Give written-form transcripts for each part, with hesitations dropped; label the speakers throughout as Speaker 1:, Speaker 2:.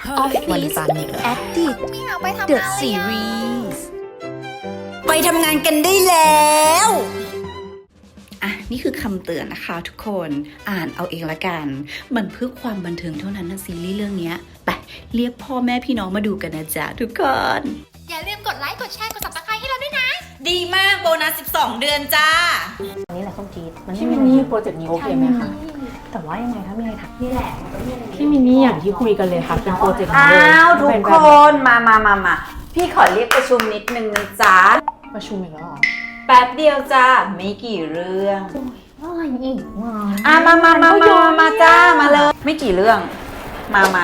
Speaker 1: วันจันทร์อีกแล้ว
Speaker 2: Addict
Speaker 3: ไม่อยากไปทำงาน
Speaker 2: The
Speaker 3: เลย
Speaker 2: Series
Speaker 1: ไปทำงานกันได้แล้วอ่ะนี่คือคำเตือนนะคะทุกคนอ่านเอาเองละกันมันเพื่อความบันเทิงเท่านั้นนะซีรีส์เรื่องนี้ไปเรียกพ่อแม่พี่น้องมาดูกันนะจ๊ะทุกคน
Speaker 3: อย่าลืมกดไลค์ กดแชร์ กด subscribe ให้เราด้วยนะ
Speaker 1: ดีมากโบนัส 12 เดือนจ้า
Speaker 4: อันนี้แหละส้มจี๊ดมัน
Speaker 5: พี่มินนี่โปรเจกต์นี้โอเคไหมคะ
Speaker 4: แต่ว่ายังไงถ้ามีอะไรทักนี่แหละ
Speaker 5: พี่มินนี่อย่างที่คุยกันเลยค่ะเป็นโปรเจกต์นี้
Speaker 6: อ้า
Speaker 5: เลยว
Speaker 6: ทุก
Speaker 5: เป็น
Speaker 6: ค
Speaker 5: แบบ
Speaker 6: นมาพี่ขอเรียกประชุมนิดนึงนะจ๊ะ
Speaker 5: ประชุมอีกแล้วเหรอ
Speaker 6: แป๊บเดียวจ้าไม่กี่เรื่อง
Speaker 4: อะไรอีกวะ
Speaker 6: มาจ้ามาเลยไม่กี่เรื่องมา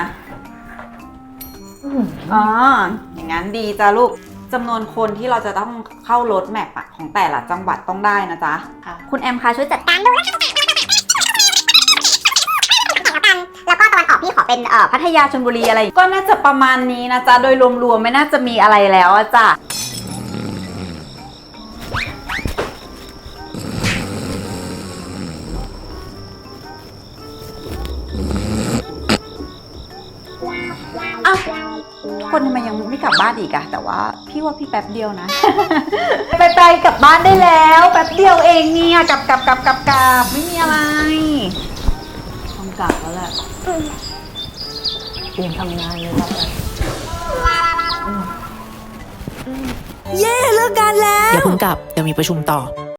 Speaker 6: อ๋ออย่างนั้นดีจ้าลูกจำนวนคนที่เราจะต้องเข้ารถแมพของแต่ละจังหวัดต้องได้นะจ๊ะคุณแอมคะช่วยจัดการดูนะคะแล้วก็ตะวันออกพี่ขอเป็นพัทยาชลบุรีอะไรก็น่าจะประมาณนี้นะจ๊ะโดยรวมๆไม่น่าจะมีอะไรแล้วอะจ้ะอ้าวคนทำไมยังไม่กลับบ้านอีกอะแต่ว่าพี่ว่าพี่แป๊บเดียวนะ ไปกลับบ้านได้แล้วแป๊บเดียวเองเนี่ยกลับไม่มีอะไรต้องกลับแล้วแหละ
Speaker 4: เตรียมทำงานเลยครับ
Speaker 1: เย้เลิกงานแล้วอย่าเพิ่งกลับเดี๋ยวมีประชุมต่อ